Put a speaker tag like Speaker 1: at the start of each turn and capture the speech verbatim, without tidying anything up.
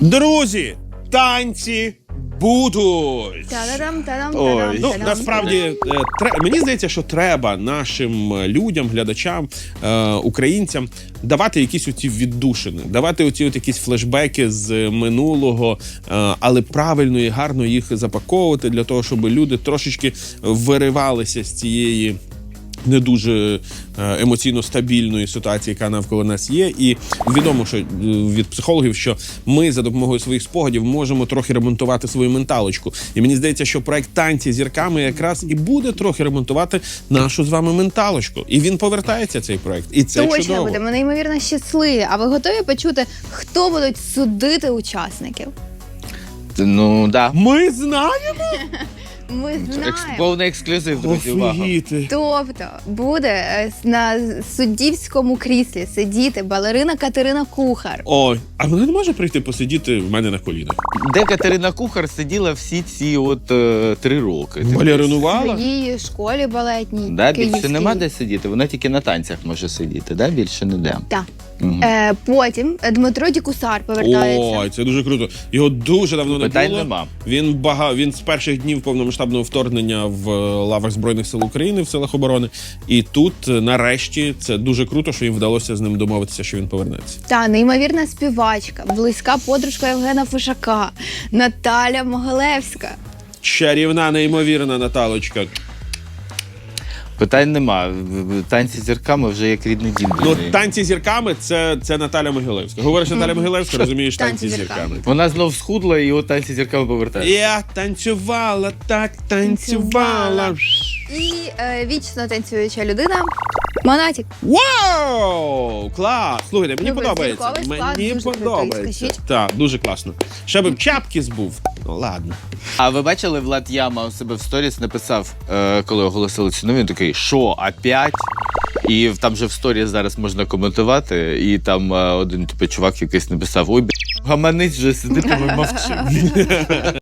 Speaker 1: Друзі, танці будуть.
Speaker 2: Та-дам, та-дам,
Speaker 1: Ой,
Speaker 2: та-дам,
Speaker 1: ну,
Speaker 2: та-дам.
Speaker 1: насправді, е, тре- мені здається, що треба нашим людям, глядачам, е, українцям давати якісь оці віддушини, давати оці от якісь флешбеки з минулого, е, але правильно і гарно їх запаковувати для того, щоб люди трошечки виривалися з цієї не дуже емоційно стабільної ситуації, яка навколо нас є. І відомо, що від психологів, що ми за допомогою своїх спогадів можемо трохи ремонтувати свою менталочку. І мені здається, що проект «Танці зірками» якраз і буде трохи ремонтувати нашу з вами менталочку. І він повертається, цей проект. І це
Speaker 2: Точно
Speaker 1: чудово.
Speaker 2: будемо неймовірно щасливі. А ви готові почути, хто будуть судити учасників?
Speaker 3: Ну, да.
Speaker 1: Ми знаємо?
Speaker 2: Ми
Speaker 3: Екс-
Speaker 2: знаємо.
Speaker 3: Повний ексклюзив, друзі, увага.
Speaker 1: Офігіти.
Speaker 2: Тобто буде е, на суддівському кріслі сидіти балерина Катерина Кухар.
Speaker 1: Ой, а вона не може прийти посидіти в мене на колінах?
Speaker 3: Де Катерина Кухар сиділа всі ці от е, три роки. Ти
Speaker 2: В
Speaker 1: Балеринувала?
Speaker 2: її школі балетній.
Speaker 3: Да, більше
Speaker 2: київській.
Speaker 3: нема де сидіти, вона тільки на танцях може сидіти, да? Більше не де.
Speaker 2: Так.
Speaker 3: Угу.
Speaker 2: Е, потім Дмитро Дікусар повертається.
Speaker 1: Ой, це дуже круто. Його дуже давно не
Speaker 3: Питань
Speaker 1: було.
Speaker 3: нема.
Speaker 1: Він бага... він з перших днів повномасштабного вторгнення в е, лавах Збройних сил України в силах оборони. І тут, е, нарешті, це дуже круто, що їм вдалося з ним домовитися, що він повернеться.
Speaker 2: Та неймовірна співачка, близька подружка Євгена Фишака, Наталя Могилевська.
Speaker 1: Чарівна, неймовірна Наталочка.
Speaker 3: Питань нема. В- в- Танці з зірками вже як рідний дім.
Speaker 1: Ну,
Speaker 3: друзі.
Speaker 1: танці зірками це, це Наталя Могилевська. Говориш Наталя Могилевська, розумієш танці,
Speaker 2: Танці
Speaker 1: зірками.
Speaker 2: зірками.
Speaker 3: Вона знов схудла і от танці з зірками повертається.
Speaker 1: Я танцювала, так танцювала.
Speaker 2: І е, вічно танцююча людина Монатік.
Speaker 1: Вау! Клас! Слухайте, мені
Speaker 2: Любий
Speaker 1: подобається.
Speaker 2: зірковий склад,
Speaker 1: Мені
Speaker 2: дуже крутий,
Speaker 1: подобається.
Speaker 2: скажіть.
Speaker 1: Так, дуже класно. Ще б чапки збув. Ну, ладно.
Speaker 3: А ви бачили, Влад Яма у себе в сторіс написав, е, коли оголосили ціну, він такий, що, опять? І там же в сторіс зараз можна коментувати, і там е, один типу, чувак якийсь написав, ой, б**, гаманець вже сидить, а ми мовчимо.